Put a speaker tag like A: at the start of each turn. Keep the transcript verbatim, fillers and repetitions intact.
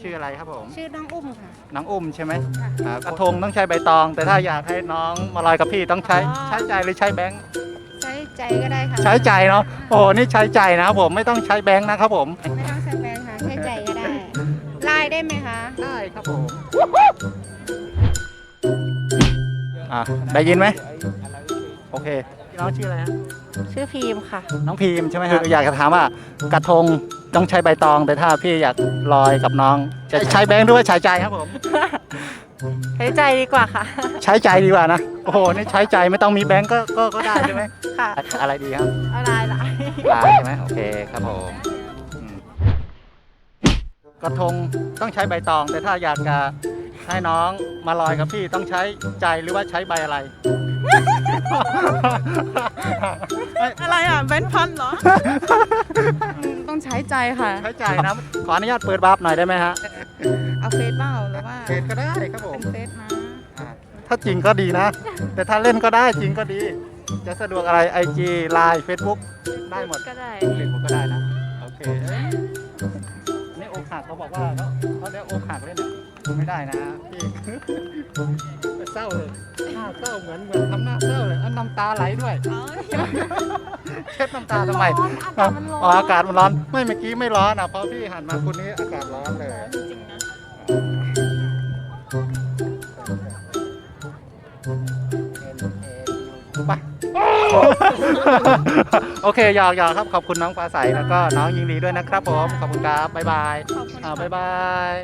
A: ชื่ออะไรครับผม
B: ชื่อน้องอุ้มค่ะ
A: น้องอุ้มใช่ไหม
B: ค่ะ
A: อ่ากระทงต้องใช้ใบตอง แต่ถ้าอยากให้น้องมาลอยกับพี่ต้องใช้
B: อ๋อ
A: ใช้ใจหรือใช้แบงค์
B: ใช้ใจก็ได้ค่ะ
A: ใช้ใจเนาะโอ้โหนี่ใช้ใจนะครับผมไม่ต้องใช้แบงค์นะครับผม
B: ไม่ต้องใช้แบงค์ค่ะใช้ใจก็ได้ไลน์ได้ไหมคะ
A: ได้ครับผมอ่ะได้ยินไหมโอเคพี่น้องชื่ออะไรฮะ
B: ชื่อพีมค่ะ
A: น้องพีมใช่ไหมฮะอยากจะถามว่ากระทงต้องใช้ใบตอง แต่ถ้าพี่อยากลอยกับน้อง จะใช้แบงค์หรือว่าใช้ใจครับผม
B: ใช้ใจดีกว่าค่ะ
A: ใช้ใจดีกว่านะโอ้โหนี่ใช้ใจไม่ต้องมีแบงค์ก็ก็ก็ได้ใช่ไหม
B: ค่ะ
A: อะไรดีครับ
B: เอาไลน์ไลน์
A: ลายใช่ไหมโอเคครับผมอืมกระทงต้องใช้ใบตอง แต่ถ้าอยากจะให้น้องมาลอยกับพี่ต้องใช้ใจหรือว่าใช้ใบอะไร
C: อะไรอ่ะแบนพันเหรอ ต้องใช้ใจค่ะ
A: ใช้ใจนะขออนุญาตเปิดบัฟหน่อยได้ไหมฮะ
C: เอาเฟซเปล่าหรือว่า
A: เฟซก็ได้ครับผม
C: เป็นเฟซนะ
A: อ่าถ้าจริงก็ดีนะ แต่ถ้าเล่นก็ได้จริงก็ดี จะสะดวกอะไร ไอ จี ไลน์ เฟซบุ๊ก ได้หมด
B: ก็ได้
A: เฟซบุ๊กก็ได้นะ โอเคเอ้ยนี่อกหักเขาบอกว่าเขาเขาเรียกอกหักเล่นไม่ได้นะพี่ เศร้าเลยหน้าเศร้าเหมือนเหมือนทำหน้าเศร้าเลยอันน้ำตาไหลด้วย เช็ดน้ำตาทำไม
B: อากาศมันร้อน
A: อ๋ออากาศมันร้อน ไม่เมื่อกี้ไม่ร้อนอ่ะพอพี่หันมาคุณนี้อากาศร้อนเลย
C: จริงๆนะ
A: ไป โอเคหยอกหยอกครับ ขอบคุณน้องฟ้าใสแล้วก็น้องยิงดีด้วยนะครับผม ขอบคุณครับ บ๊ายบาย
C: ขอบคุณ
A: อ่า
C: ค่ะ
A: บ๊ายบาย